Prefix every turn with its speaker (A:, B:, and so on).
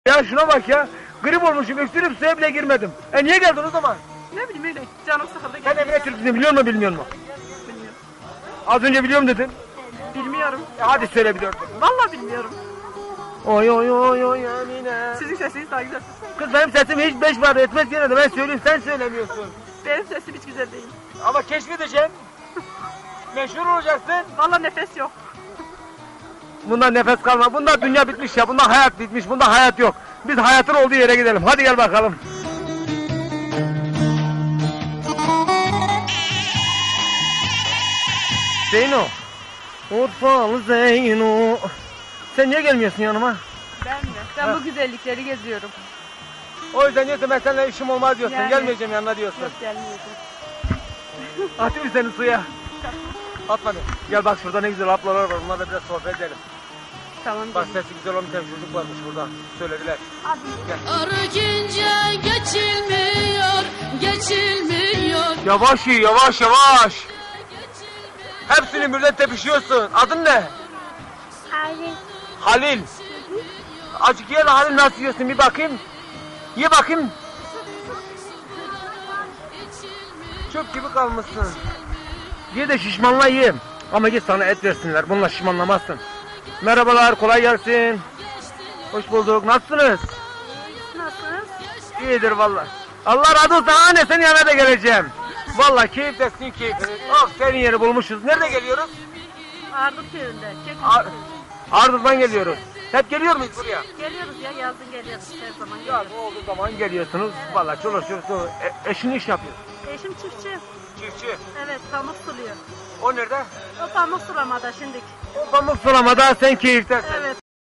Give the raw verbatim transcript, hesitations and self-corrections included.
A: Ya şuna bak ya. Grip olmuşum, öksürüp suya bile girmedim. E niye geldin o zaman?
B: Ne bileyim öyle canım sıkıldı.
A: Sen Emine Türk'ünü biliyor musun bilmiyor musun?
B: Bilmiyorum.
A: Az önce biliyorum dedin.
B: Bilmiyorum.
A: E hadi söyle bir dört.
B: Vallahi bilmiyorum.
A: Oy oy oy oy Emine.
B: Sizin sesiniz daha güzel.
A: Kız benim sesim hiç beş var etmez gene de ben söyleyeyim sen söylemiyorsun.
B: Benim sesim hiç güzel değil.
A: Ama keşfedeceksin. Meşhur olacaksın.
B: Vallahi nefes yok.
A: Bunda nefes kalma. Bunda dünya bitmiş ya. Bunda hayat bitmiş. Bunda hayat yok. Biz hayatın olduğu yere gidelim. Hadi gel bakalım. Zeyno. Urfalı Zeyno. Sen niye gelmiyorsun yanıma?
B: Ben mi? Ben
A: Ha.
B: bu güzellikleri geziyorum.
A: O yüzden diyorsun ben seninle işim olmaz diyorsun.
B: Yani.
A: Gelmeyeceğim yanına diyorsun.
B: Yok gelmeyeceğim.
A: Atayım seni suya. Atma beni. Gel bak şurada ne güzel ablalar var. Onlarla biraz sohbet edelim.
B: Tamam.
A: Bak sesi güzel olan bir tane çocuk varmış burada. Söylediler.
C: Arıgince geçilmiyor, geçilmiyor.
A: Yavaş iyi, yavaş yavaş. Hepsini birden tepişiyorsun. Adın ne?
D: Halil.
A: Halil. Azıcık ye lan Halil, nasıl yiyorsun bir bakayım. Ye bakayım. Çöp gibi kalmışsın. Ye de şişmanla ye. Ama git sana et versinler. Bununla şişmanlamazsın. Merhabalar, kolay gelsin. Hoş bulduk. Nasılsınız?
D: Nasılsınız?
A: İyidir vallahi. Allah razı olsun. Anne senin yanına da geleceğim. Vallahi keyiflesin keyfini. Of senin yeri bulmuşuz. Nerede geliyoruz?
D: Ardık köyünde.
A: Ar Ardından geliyoruz. Hep geliyor muyuz buraya?
D: Geliyoruz ya, yazın geliyoruz her zaman
A: Ya
D: geliyoruz.
A: ne olduğu zaman geliyorsunuz. Vallahi çoluk çocuk e eşin iş yapıyor.
D: Eşim çiftçi.
A: Çiftçi.
D: Evet, pamuk suluyor.
A: O nerede?
D: O pamuk sulamada şimdik.
A: O pamuk sulamada sen keyiftesin.
D: Evet,